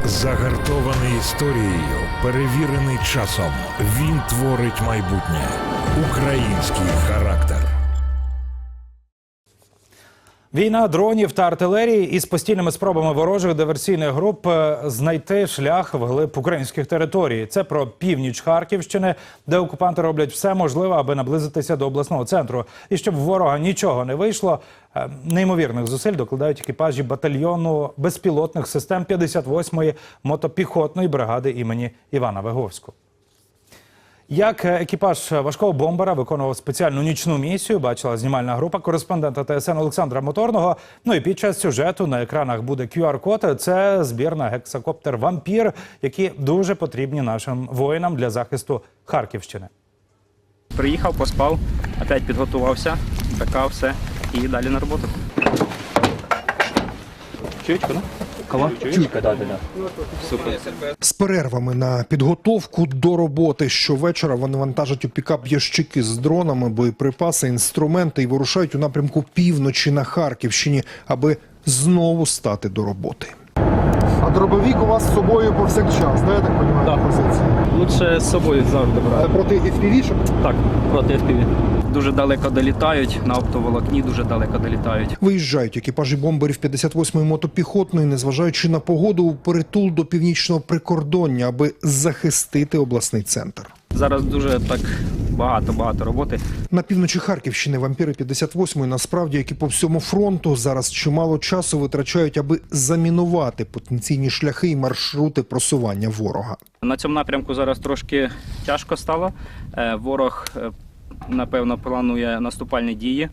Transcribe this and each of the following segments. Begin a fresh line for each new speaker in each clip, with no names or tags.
Загартований історією, перевірений часом. Він творить майбутнє. Український характер.
Війна дронів та артилерії із постійними спробами ворожих диверсійних груп знайти шлях вглиб українських територій. Це про північ Харківщини, де окупанти роблять все можливе, аби наблизитися до обласного центру. І щоб в ворога нічого не вийшло, неймовірних зусиль докладають екіпажі батальйону безпілотних систем 58-ї мотопіхотної бригади імені Івана Виговського. Як екіпаж важкого бомбера виконував спеціальну нічну місію, бачила знімальна група кореспондента ТСН Олександра Моторного. Ну і під час сюжету на екранах буде QR-код. Це збір на гексакоптер «Вампір», які дуже потрібні нашим воїнам для захисту Харківщини.
Приїхав, поспав, опять підготувався, така все і далі на роботу. Чуєчка, да? Кого? Чуєчка, да. Супер.
З перервами на підготовку до роботи щовечора вони вантажать у пікап ящики з дронами, боєприпаси, інструменти і вирушають у напрямку півночі на Харківщині, аби знову стати до роботи.
А дробовик у вас з собою повсякчас, да, я так розумію,
Да.
позиції?
Лучше з собою завжди брати.
Це проти FPV-шок?
Так, проти FPV. Дуже далеко долітають, на оптоволокні дуже далеко долітають.
Виїжджають екіпажі бомберів 58-ї мотопіхотної, незважаючи на погоду, у притул до північного прикордоння, аби захистити обласний центр.
Зараз дуже так багато роботи.
На півночі Харківщини вампіри 58-ї насправді, як і по всьому фронту, зараз чимало часу витрачають, аби замінувати потенційні шляхи і маршрути просування ворога.
На цьому напрямку зараз трошки тяжко стало. Ворог, напевно, планує наступальні дії.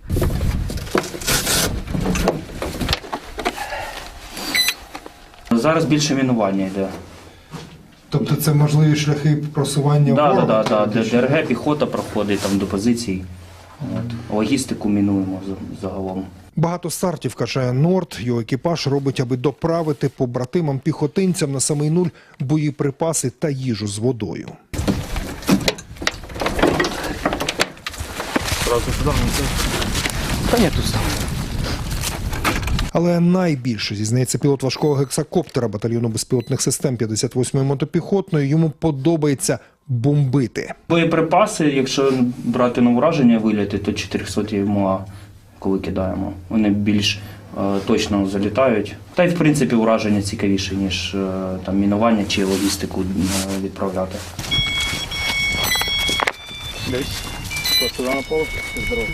Зараз більше мінування йде.
Тобто це можливі шляхи просування ворога?
Так. ДРГ, піхота проходить там до позицій. Логістику мінуємо загалом.
Багато стартів, каже Норд, його екіпаж робить, аби доправити побратимам-піхотинцям на самий нуль боєприпаси та їжу з водою.
Та ні, тут сам.
Але найбільше, зізнається пілот важкого гексакоптера батальйону безпілотних систем 58-ї мотопіхотної, йому подобається бомбити.
Боєприпаси, якщо брати на ураження виліти, то 400 МОА, коли кидаємо. Вони більш точно залітають. Та й в принципі ураження цікавіше, ніж там мінування чи логістику відправляти. Десь. Сюди на пол. Здорово.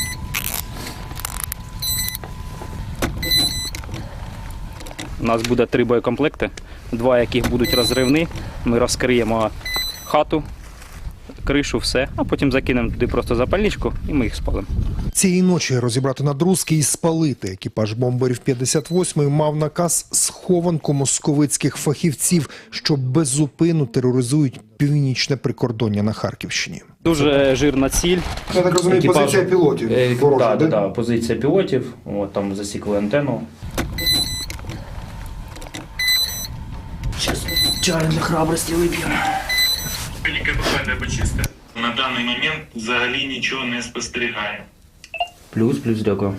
У нас буде 3 боєкомплекти, 2 яких будуть розривні. Ми розкриємо хату, кришу, все, а потім закинемо туди просто запальничку і ми їх спалимо.
Цієї ночі розібрати надрузки і спалити екіпаж бомберів 58-ї мав наказ схованку московицьких фахівців, що беззупинно тероризують північне прикордоння на Харківщині.
Дуже жирна ціль.
Я так розумію, позиція пілотів. ворожа, да?
Так, позиція пілотів, от, там засікли антенну. Зараз чай для храбрості вип'ємо.
Ліквідування почисте. На даний момент взагалі нічого не спостерігає.
Плюс, дякую.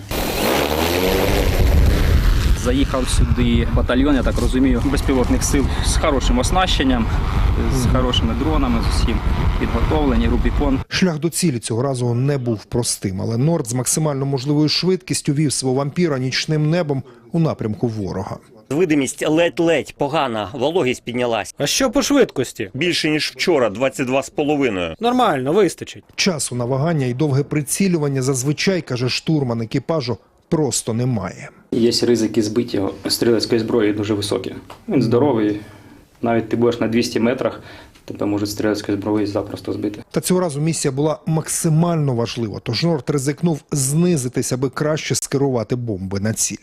Заїхав сюди батальйон, я так розумію, безпілотних сил з хорошим оснащенням, з хорошими дронами, з усім підготовлені, Рубікон.
Шлях до цілі цього разу не був простим, але Норд з максимально можливою швидкістю вів свого вампіра нічним небом у напрямку ворога.
Видимість ледь-ледь погана, вологість піднялась.
А що по швидкості?
Більше, ніж вчора, 22,5.
Нормально, вистачить.
Часу на вагання і довге прицілювання зазвичай, каже штурман екіпажу, просто немає.
Є ризики збиття стрілецької зброї дуже високі. Він здоровий, навіть ти будеш на 200 метрах, тебе можуть стрілецької зброї запросто збити.
Та цього разу місія була максимально важлива, тож Норд ризикнув знизитись, аби краще скерувати бомби на ціль.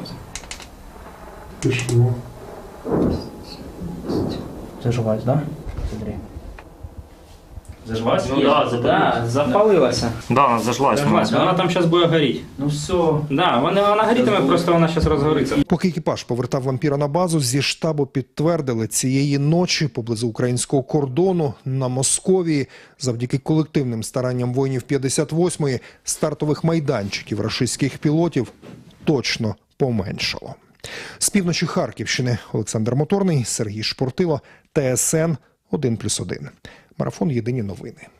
Заживається, так? Смотри. Заживається? Ну так, запалилася.
Так, зажглась.
Вона там зараз буде горіти. Ну все. Да, вона горітиме, просто вона зараз розгориться.
Поки екіпаж повертав вампіра на базу, зі штабу підтвердили, цієї ночі поблизу українського кордону на Московії, завдяки колективним старанням воїнів 58-ї, стартових майданчиків рашистських пілотів точно поменшало. З півночі Харківщини Олександр Моторний, Сергій Шпортило, ТСН 1+1. Марафон «Єдині новини».